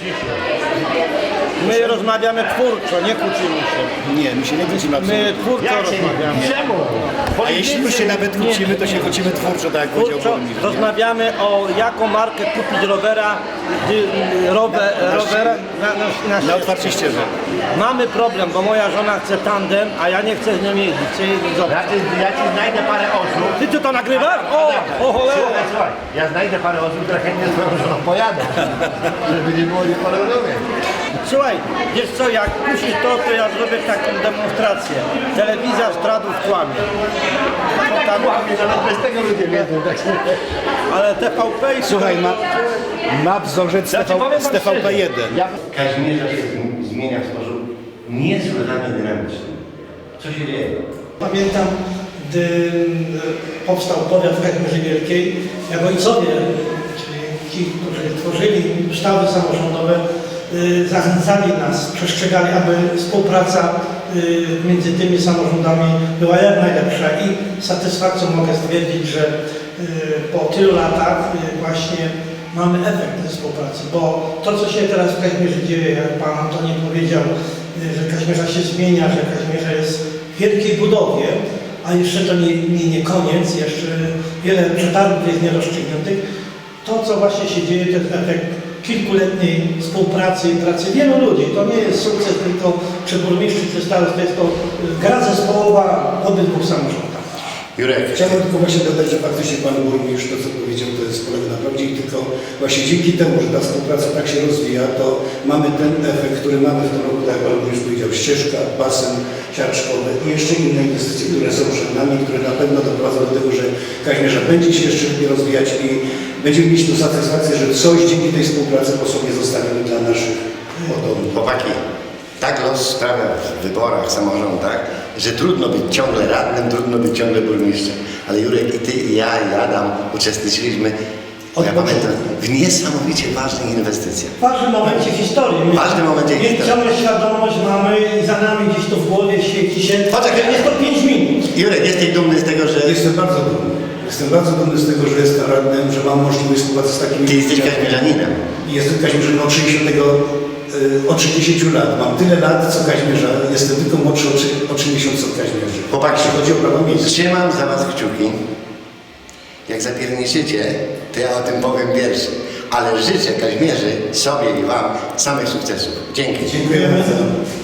My rozmawiamy twórczo, nie kłócimy się. Nie, my się nie kłócimy absolutnie. My twórczo rozmawiamy. Czemu? A jeśli już się nawet kłócimy, to się kłócimy twórczo, tak jak powiedział Twórczo burmistrz. rozmawiamy o jaką markę kupić rowera, Na otwarcie ścieżek. Mamy problem, bo moja żona chce tandem, a ja nie chcę z nią jeździć. Chcę jeździć z obcym. Ja ci znajdę parę osób. Ty to nagrywasz? O cholera! Słuchaj, ja znajdę parę osób, które chętnie z twoją żoną pojadą. Żeby nie było nieporozumień. Słuchaj, wiesz co, jak puścisz to ja zrobię taką demonstrację. Telewizja Stradów kłamie. Tam, Nawet bez tego ludzie wiedzą. Tak się... ale TVP i Słuchaj, ma wzorzec z TVP1. Kazimierza się zmienia w sposób niesłychanie dynamiczny. Co się dzieje? Pamiętam, gdy powstał powiat w Kazimierzu Wielkiej, jak ojcowie, czyli ci, którzy tworzyli ustawy samorządowe, zachęcali nas, przestrzegali, aby współpraca między tymi samorządami była jak najlepsza i z satysfakcją mogę stwierdzić, że po tylu latach właśnie mamy efekt tej współpracy, bo to, co się teraz w Kazimierzu dzieje, jak Pan Antoni powiedział, że Kazimierza się zmienia, że Kazimierza jest w wielkiej budowie, a jeszcze to nie koniec, jeszcze wiele przetargów jest nierozstrzygniętych. To, co właśnie się dzieje, to jest efekt kilkuletniej współpracy i pracy wielu ludzi. To nie jest sukces tylko czy burmistrzów, czy starostw, to jest to gra zespołowa w obydwu samorządach. Jurek, Chciałbym tylko właśnie dodać, że faktycznie Pan Burmistrz, to co powiedział, to jest polega na prawdzie i tylko właśnie dzięki temu, że ta współpraca tak się rozwija, to mamy ten efekt, który mamy w tym roku, tak jak Pan Burmistrz powiedział, ścieżka, basen siarczkowy i jeszcze inne inwestycje, które są przed nami, które na pewno doprowadzą do tego, że Kazimierza będzie się jeszcze lepiej rozwijać i będziemy mieć tu satysfakcję, że coś dzięki tej współpracy po sobie zostawimy dla naszych potomnych. chłopaki, tak los sprawia w wyborach, samorządach, że trudno być ciągle radnym, trudno być ciągle burmistrzem. Ale Jurek i ty, i ja, i Adam uczestniczyliśmy, ja pamiętam, w niesamowicie ważnych inwestycjach. W ważnym momencie historii. W ważnym momencie historii. Ciągle świadomość mamy i za nami gdzieś to w głowie świeci się. Poczekaj. Jest to 5 minut. Jurek, jesteś dumny z tego, że Jestem bardzo dumny. Jestem bardzo dumny z tego, że jestem radnym, że mam możliwość współpracy z takimi ty jesteś ludźmi. Kazimierzaninem. Jestem Kazimierzem od 30 lat. Mam tyle lat, co Kazimierza. Jestem tylko młodszy o 3 miesiące od Kazimierzy. Chłopaki, Jeśli chodzi o prawo miejskie. trzymam za was kciuki. Jak zapierniczycie, to ja o tym powiem pierwszy. Ale życzę Kazimierzy, sobie i wam samych sukcesów. Dzięki. Dziękuję bardzo.